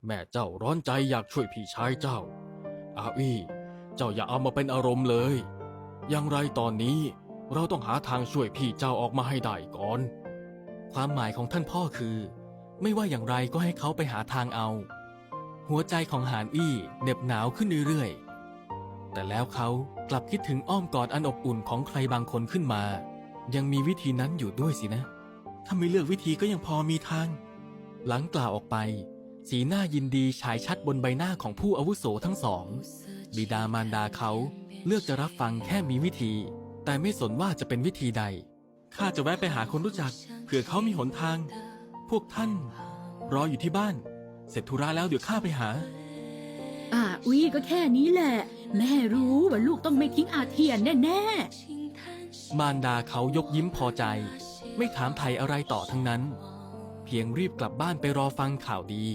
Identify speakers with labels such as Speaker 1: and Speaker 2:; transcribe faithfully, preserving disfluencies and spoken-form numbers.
Speaker 1: แม่เจ้าร้อนใจอยากช่วยพี่ชายเจ้าอาอี้เจ้าอย่าเอามาเป็นอารมณ์เลยอย่างไรตอนนี้เราต้องหาทางช่วยพี่เจ้าออกมาให้ได้ก่อนความหมายของท่านพ่อคือไม่ว่าอย่างไรก็ให้เขาไปหาทางเอาหัวใจของหานอี้เหน็บหนาวขึ้นเรื่อยๆแต่แล้วเขากลับคิดถึงอ้อมกอดอันอบอุ่นของใครบางคนขึ้นมายังมีวิธีนั้นอยู่ด้วยสินะถ้าไม่เลือกวิธีก็ยังพอมีทางหลังกล่าวออกไปสีหน้ายินดีฉายชัดบนใบหน้าของผู้อาวุโสทั้งสองบิดามารดาเขาเลือกจะรับฟังแค่มีวิธีแต่ไม่สนว่าจะเป็นวิธีใดข้าจะแวะไปหาคนรู้จักเผื่อเขามีหนทางพวกท่านรออยู่ที่บ้านเสร็จธุระแล้วเดี๋ยวข้าไปหา
Speaker 2: อาอุ้ยก็แค่นี้แหละแม่รู้ว่าลูกต้องไม่ทิ้งอาเทียนแน่
Speaker 1: มารดาเขายกยิ้มพอใจไม่ถามไถ่อะไรต่อทั้งนั้นเพียงรีบกลับบ้านไปรอฟังข่าวดี